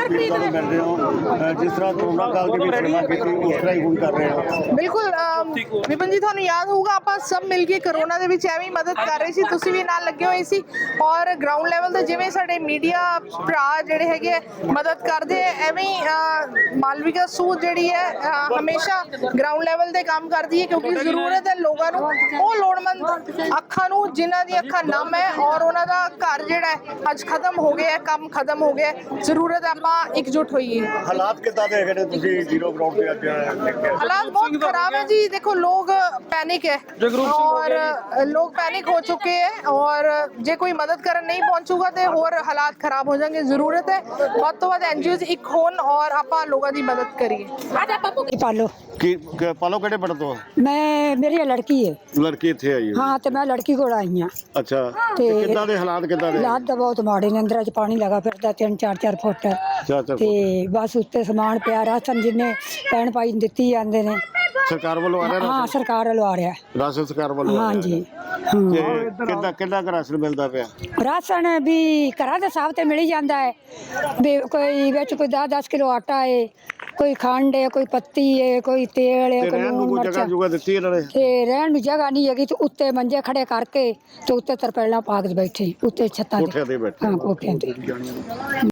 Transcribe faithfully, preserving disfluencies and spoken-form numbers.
ਪੀੜਤਾਂ ਨੂੰ ਮਿਲ ਰਹੇ ਹੋ ਜਿਸ ਤਰ੍ਹਾਂ ਕੋਰੋਨਾ ਕਾਲ ਦੇ ਵਿੱਚ ਸੇਵਾ ਕੀਤੀ ਉਸ ਤਰ੍ਹਾਂ ਹੀ ਹੁਣ ਕਰ ਰਹੇ ਹੋ। ਬਿਲਕੁਲ ਵਿਪਨ ਜੀ, ਤੁਹਾਨੂੰ ਯਾਦ ਹੋਊਗਾ ਆਪਾਂ ਸਭ ਮਿਲ ਕੇ ਕਰੋਨਾ ਦੇ ਵਿੱਚ ਐਵੇਂ ਮਦਦ ਕਰ ਰਹੇ ਸੀ, ਤੁਸੀਂ ਵੀ ਨਾਲ ਲੱਗੇ ਹੋਏ ਸੀ ਔਰ ਗਰਾਊਂਡ ਲੈਵਲ ਤੇ ਜਿਵੇਂ ਸਾਡੇ ਮੀਡੀਆ ਭਰਾ ਜਿਹੜੇ ਹੈਗੇ ਮਦਦ ਕਰਦੇ ਐਵੇਂ ਮਾਲਵਿਕਾ ਸੂਦ ਜਿਹੜੀ ਹੈ ਹਮੇਸ਼ਾ ਗਰਾਊਂਡ ਲੈਵਲ ਤੇ ਕੰਮ ਕਰਦੀ ਹੈ ਕਿਉਂਕਿ ਜ਼ਰੂਰਤ ਹੈ ਲੋਕਾਂ ਨੂੰ, ਉਹ ਲੋੜਵੰਦ ਅੱਖਾਂ ਨੂੰ ਜਿਨ੍ਹਾਂ ਦੀ ਅੱਖਾਂ ਨਮ ਹੈ ਔਰ ਉਹਨਾਂ ਦਾ ਘਰ ਜਿਹੜਾ ਹੈ ਅੱਜ ਖਤਮ ਹੋ ਗਿਆ, ਕੰਮ ਖਤਮ ਹੋ ਗਿਆ, ਜ਼ਰੂਰਤ ਹੈ ਆਪਾਂ ਇਕਜੁੱਟ ਹੋਈਏ। ਹਾਲਾਤ ਕਿੱਦਾਂ ਦੇ ਹੈਗੇ ਤੁਸੀਂ ਜ਼ੀਰੋ ਗਰਾਊਂਡ ਤੇ ਅੱਜ हालात बहुत खराब है जी। देखो लोग पैनिक है और लोग पैनिक हो चुके हैं और जे कोई मदद करन नहीं पहुंचूगा तो होर हालात खराब हो जाएंगे। जरूरत है बहुत तो बहुत एनजीओ एक होन और आप लोगों की मदद करिए। पालो ਕੀ ਪਾਲੋ ਕਿਹੜੇ ਪਿੰਡ ਤੋਂ? मैं मेरी लड़की है। ਲੜਕੀ ਇੱਥੇ ਆਈ ਹੈ। हाँ तो मैं लड़की को आई हाँ। ਅੱਛਾ ਤੇ ਕਿੱਦਾਂ ਦੇ ਹਾਲਾਤ ਕਿੱਦਾਂ ਦੇ? हालात तो बहुत माड़े ने, अंदर च पानी लगा फिरदा तीन चार चार फुट ਚਾਰ ਚਾਰ ते बस उत्ते समान पिया, राशन जिन्ने भैन भाई दित्ती जांदे ने। ਸਰਕਾਰ ਵੱਲੋਂ ਆ ਰਿਹਾ हाँ सरकार वालों आ रहा है। ਰਾਸ਼ਨ ਸਰਕਾਰ ਵੱਲੋਂ हाँ जी ਤੇ ਕਿੱਦਾਂ ਕਿੰਨਾ ਕੁ ਰਾਸ਼ਨ ਮਿਲਦਾ ਪਿਆ? राशन भी घरां दे हिसाब ते मिल ही जांदा है भी, कोई विच कोई दस दस किलो आटा है, कोई खंड है, कोई पत्ती है, कोई तेल है, कोई लूण ਜਗ੍ਹਾ मिर्चा ਜੁਗਾ ਦਿੱਤੀ ਇਹਨਾਂ ਨੇ? ਤੇ ਰਹਿਣ ਨੂੰ ਜਗ੍ਹਾ ਨਹੀਂ ਹੈਗੀ ਤੇ ਉੱਤੇ ਮੰਜੇ ਖੜੇ ਕਰਕੇ ਤੇ ਉੱਤੇ ਤਰਪਾਲਾਂ ਪਾ ਕੇ ਬੈਠੇ ਉੱਤੇ ਛੱਤਾਂ ਕੋਠਿਆਂ ਤੇ ਬੈਠੇ। ਹਾਂ ਕੋਠਿਆਂ ਤੇ।